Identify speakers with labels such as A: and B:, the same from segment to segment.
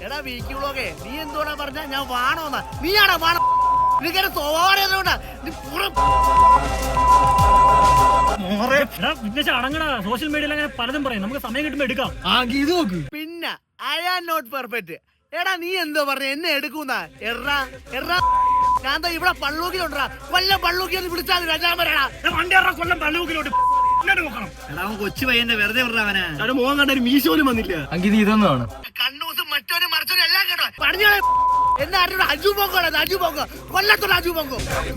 A: എടാ വീക്കിയുള്ളോക്കെ നീ എന്തോടാ പറഞ്ഞ ഞാൻ വാണോന്നാ നീയാടാ വാണോ നിനക്ക് സ്വഭാവം
B: അടങ്ങണ സോഷ്യൽ മീഡിയയിൽ അങ്ങനെ പലതും പറയും നമുക്ക് സമയം കിട്ടുമ്പോ എടുക്കാം
A: ഇത് നോക്ക് പിന്നെ ഐ ആം നോട്ട് പെർഫെക്റ്റ് എടാ നീ എന്തോ പറഞ്ഞ എന്നെ എടുക്കുന്ന എറാ എറാ ഞാൻ ഇവിടെ പള്ളൂക്കിലുണ്ടാ കൊല്ലം പള്ളൂക്കി വിളിച്ചാൽ രാജാമരാ
B: കൊല്ലം പള്ളൂക്കിലോട്ട്
A: എടാ കൊച്ചു പയ്യന്റെ വെറുതെ അവനെ മോഹൻ കണ്ട ഒരു മീശോലും വന്നില്ല
C: അങ്കിത് ഇതൊന്നാണ്
A: കണ്ണൂസും മറ്റോനും മറിച്ചോനും എല്ലാം കേട്ടോ പറഞ്ഞു എന്നെ അറിഞ്ഞ അജു പോക്കോ അജു പോക്കോ കൊല്ലത്തുള്ള അജു പോക്കോ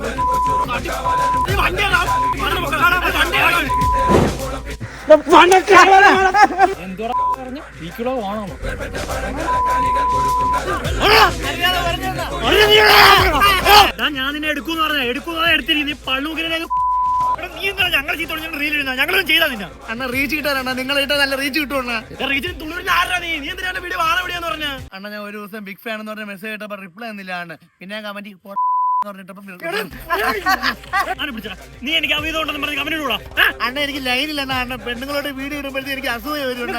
B: എന്തോടാ പറഞ്ഞു ഈ കിലോ വേണോ ഞാൻ നിന്നെ എടുക്കൂന്ന് പറഞ്ഞ എടുക്കുന്ന എടുത്തിരിക്കും നീ പള്ളൂക്കിലേക്ക് ഞങ്ങൾ ഞങ്ങളും ചെയ്താ നിന്നെ
A: അണ്ണ റീച്ച് കിട്ടാനാ നിങ്ങൾ ഇട്ടാ നല്ല റീച്ച് കിട്ടുവാ
B: റീച്ചിന് തുള്ളിന് ആരാ നീ എന്തിനാണ് വീഡിയോ വാണ വീഡിയോന്ന് പറഞ്ഞ
A: അണ്ണ ഞാൻ ഒരു ദിവസം ബിഗ് ഫാൻ എന്ന് പറഞ്ഞ മെസ്സേജ് ഇട്ടപ്പോ റിപ്ലൈ തന്നില്ല ആണ് പിന്നെ കമന്റ്
B: നീ എനിക്ക് അവീതം പറഞ്ഞ് കമന്റ് ഇടൂടാ
A: അണ്ണ എനിക്ക് ലൈനില്ല അണ്ണ പെണ്ണുങ്ങളോട് വീഡിയോ ഇടുമ്പോഴത്തേക്ക് എനിക്ക് അസൂയ വരുന്നുണ്ട്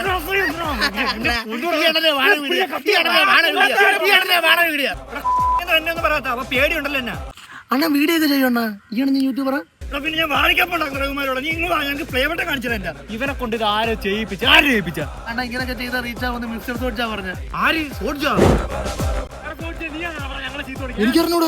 B: എന്നെ പറയാത്ത അപ്പൊ പേടിയുണ്ടല്ലോ എന്നെ
A: അണ്ണ വീഡിയോ ഒക്കെ ചെയ്യണ്ണ ഈ യൂട്യൂബറാ
B: പിന്നെ ഞാൻ വാണിക്കപ്പോണ്ടാകുമാരോട് നീ ഞങ്ങൾക്ക് പ്ലേബട്ട കാണിച്ചതാ ഇവനെ കൊണ്ട് ഇത് ആരെ ചെയ്യിപ്പിച്ച
A: അണ്ണ ഇങ്ങനെയൊക്കെ ചെയ്ത റീച്ച് ആവുന്ന മിസ്റ്റർ സോഡ്ജാ പറഞ്ഞ
B: ആര് സോഡ്ജാ
A: എനിക്കറിഞ്ഞൂടാ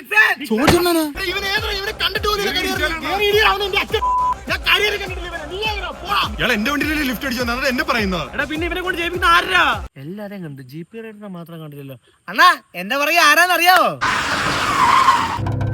D: എന്റെ വണ്ടിയിൽ ലിഫ്റ്റ് അടിച്ചു എന്നെ പറയുന്നത്
B: പിന്നെ ഇവനെ കൊണ്ട് ചെയ്യിപ്പിക്കുന്ന ആരാ
A: എല്ലാരെയും കണ്ടു ജി പി റേറ്റർ മാത്രം കണ്ടില്ലല്ലോ അണ്ണാ എന്റെ പറയാ ആരാന്നറിയാവോ